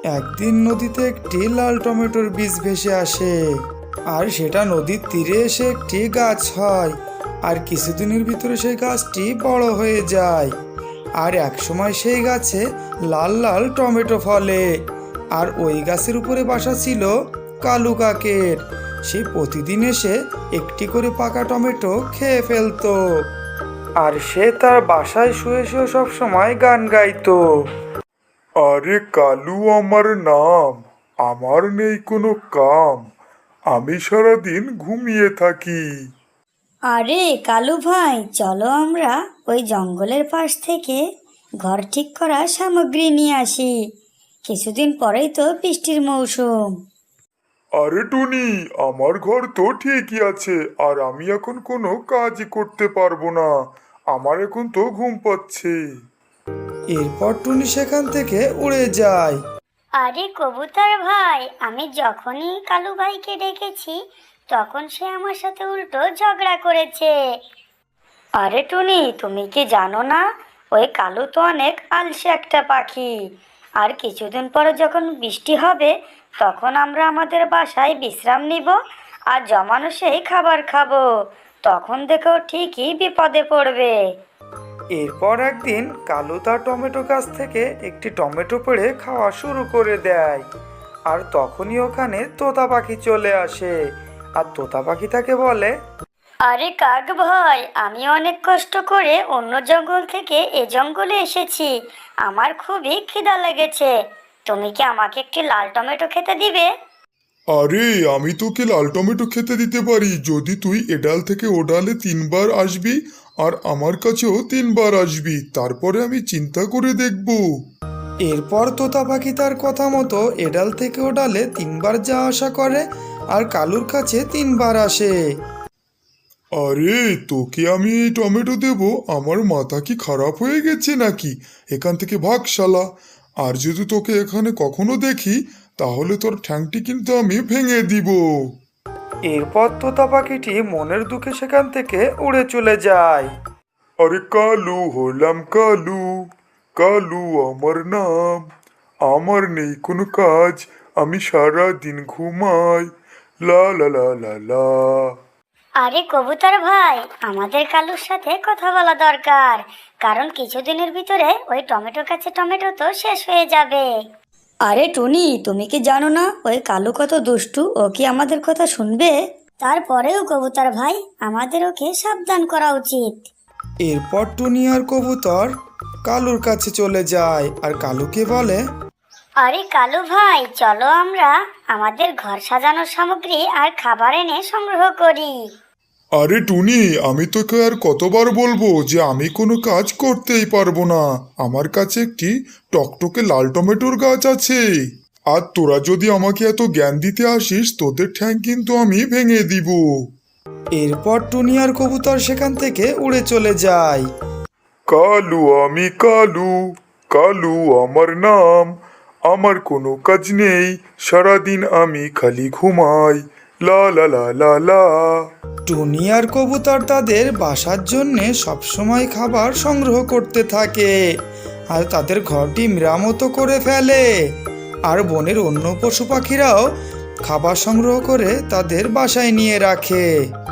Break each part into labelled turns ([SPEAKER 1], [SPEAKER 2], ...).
[SPEAKER 1] একদিন নদীতে একটি লাল টমেটোর বীজ ভেসে আসে, আর সেটা নদীর তীরে এসে একটি গাছ হয়। আর কিছুদিনের ভিতরে সেই গাছটি বড় হয়ে যায়, আর একসময় সেই গাছে লাল লাল টমেটো ফলে। আর ওই গাছের উপরে বাসা ছিল কালু কাকের। সে প্রতিদিন এসে একটি করে পাকা টমেটো খেয়ে ফেলতো, আর সে তার বাসায় শুয়ে শুয়ে সব সময় গান গাইতো।
[SPEAKER 2] আরে কালু আমার নাম, আমার নেই কোনো কাম, আমি সারাদিন ঘুমিয়ে থাকি।
[SPEAKER 3] আরে কালু ভাই, চলো আমরা ওই জঙ্গলের পাশ থেকে ঘর ঠিক করার সামগ্রী নিয়ে আসি। কিছুদিন পরেই তো বৃষ্টির মৌসুম।
[SPEAKER 2] আরে টুনি, আমার ঘর তো ঠিকই আছে, আর আমি এখন কোনো কাজই করতে পারবো না। আমার এখন তো ঘুম পাচ্ছে।
[SPEAKER 1] এরপর টুনি সেখান থেকে উড়ে যায়।
[SPEAKER 3] আরে কবুতর ভাই, আমি যখনই কালু ভাইকে ডেকেছি তখন সে আমার সাথে উল্টো ঝগড়া করেছে। আরে টুনি, তুমি কি জানো না ওই কালু তো অনেক আলসে একটা পাখি। আর কিছুদিন পরে যখন বৃষ্টি হবে তখন আমরা আমাদের বাসায় বিশ্রাম নিব আর জমানো সেই খাবার খাবো। তখন দেখো ঠিকই বিপদে পড়বে।
[SPEAKER 1] এরপর একদিন কালু তার টমেটো গাছ থেকে একটি টমেটো পেড়ে খাওয়া শুরু করে দেয়। আর তখনই ওখানে তোতা পাখি চলে আসে, আর তোতা পাখি তাকে বলে,
[SPEAKER 3] আরে কাক ভাই, আমি অনেক কষ্ট করে অন্য জঙ্গল থেকে এ জঙ্গলে এসেছি। আমার খুবই খিদা লেগেছে। তুমি কি আমাকে একটি লাল টমেটো খেতে দিবে?
[SPEAKER 2] আরে আমি তোকে লাল টমেটো খেতে দিতে পারি যদি তুই এ ডাল থেকে ও ডালে 3 বার আসবি, আর আমার কাছেও 3 বার আসবি, তারপরে আমি চিন্তা করে দেখব।
[SPEAKER 1] এরপর তোতা পাখি তার কথা মতো এডাল থেকে ওডালে 3 বার যাওয়া আসা করে, আর কালুর কাছে 3 বার আসে।
[SPEAKER 2] আরে তোকে আমি এই টমেটো দেব? আমার মাথা কি খারাপ হয়ে গেছে নাকি? এখান থেকে ভাগ শালা। আর যদি তোকে এখানে কখনো দেখি তাহলে তোর ঠ্যাংটি কিন্তু আমি ভেঙে দিব।
[SPEAKER 1] এরপর তোতা পাখিটি মনের দুঃখে সেখান থেকে উড়ে চলে যায়।
[SPEAKER 2] আরে কালু হলাম কালু, কালু আমার নাম, আমার নেই কোনো কাজ, আমি সারা দিন ঘুমাই, লা লা লা লা লা।
[SPEAKER 3] আরে কবুতর ভাই, আমাদের কালুর সাথে কথা বলা দরকার, কারণ কিছুদিনের ভিতরে ওই টমেটো গাছে টমেটো তো শেষ হয়ে যাবে। আরে টুনি, তুমি কি জানো না ওই কালু কত দুষ্টু? ও কি আমাদের কথা শুনবে? তারপরেও কবুতর ভাই, আমাদের ওকে সাবধান করা উচিত।
[SPEAKER 1] এরপর টুনি আর কবুতর কালুর কাছে চলে যায়, আর কালুকে বলে,
[SPEAKER 3] আরে কালু ভাই, চলো আমরা আমাদের ঘর সাজানোর সামগ্রী আর খাবার এনে সংগ্রহ করি।
[SPEAKER 2] আরে টুনি, আমি তোকে আর কতবার বলবো যে আমি কোনো কাজ করতেই পারবো না। আমার কাছে একটি টকটকে লাল টমেটোর গাছ আছে, আর তোরা যদি আমাকে এত জ্ঞান দিতে আসিস তোদের ঠ্যাং কিন্তু আমি ভেঙে দিব।
[SPEAKER 1] এরপর টুনি আর কবুতর সেখান থেকে উড়ে চলে যায়।
[SPEAKER 2] কালু আমি কালু, কালু আমার নাম, আমার কোনো কাজ নেই, সারাদিন আমি খালি ঘুমাই, লা লা লা লা লা।
[SPEAKER 1] টুনি আর কবুতর তাদের বাসার জন্য সবসময় খাবার সংগ্রহ করতে থাকে, আর তাদের ঘরটি মেরামত করে ফেলে। আর বনের অন্য পশু পাখিরাও খাবার সংগ্রহ করে তাদের বাসায় নিয়ে রাখে।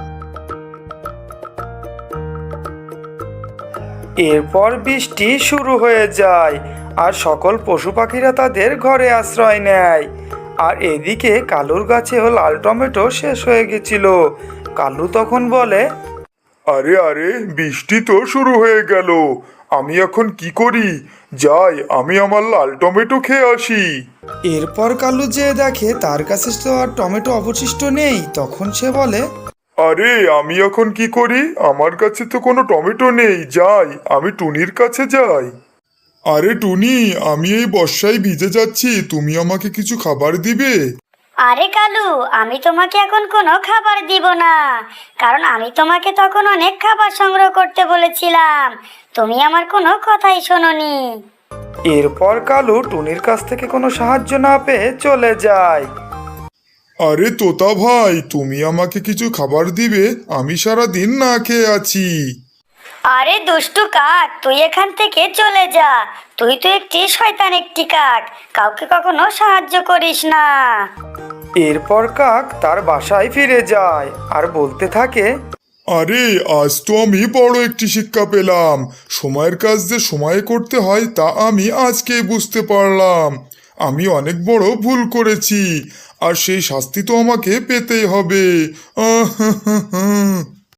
[SPEAKER 1] এরপর বৃষ্টি শুরু হয়ে যায়, আর সকল পশু পাখিরা তাদের ঘরে আশ্রয় নেয়। আর এদিকে কালুর গাছেও লাল টমেটো শেষ হয়ে গেছিল। কালু তখন বলে,
[SPEAKER 2] আরে আরে, বৃষ্টি তো শুরু হয়ে গেল, আমি এখন কি করি? যাই, আমি আমার লাল টমেটো খেয়ে আসি।
[SPEAKER 1] এরপর কালু যে দেখে তার কাছে তো আর টমেটো অবশিষ্ট নেই, তখন সে বলে,
[SPEAKER 2] আরে আমি এখন কি করি? আমার কাছে তো কোনো টমেটো নেই, যাই আমি টুনির কাছে যাই। আরে টুনি, আমি এই বর্ষায় ভিজে যাচ্ছি, তুমি আমাকে কিছু খাবার দিবে?
[SPEAKER 3] আরে কালু, আমি তোমাকে এখন কোনো খাবার দিব না, কারণ আমি তোমাকে তখন অনেক খাবার সংগ্রহ করতে বলেছিলাম। তুমি আমার কোনো কথাই শোনোনি।
[SPEAKER 1] এরপর কালু টুনির কাছ থেকে কোনো সাহায্য না পেয়ে চলে যায়।
[SPEAKER 2] আরে তোতা ভাই, তুমি আমাকে কিছু খাবার দিবে? আমি সারা দিন না খেয়ে আছি।
[SPEAKER 3] আরে দুষ্টু কাক, তুই এখান থেকে চলে যা। তুই তো একটি শয়তান, একটি কাক, কাউকে কখনো সাহায্য করিস না।
[SPEAKER 1] এরপর কাক তার বাসায় ফিরে যায় আর বলতে থাকে,
[SPEAKER 2] আরে আজ তো আমি বড় একটি শিক্ষা পেলাম। সময়ের কাজ যে সময়ে করতে হয় তা আমি আজকেই বুঝতে পারলাম। আমি অনেক বড় ভুল করেছি আর সেই শাস্তি তো আমাকে পেতেই হবে।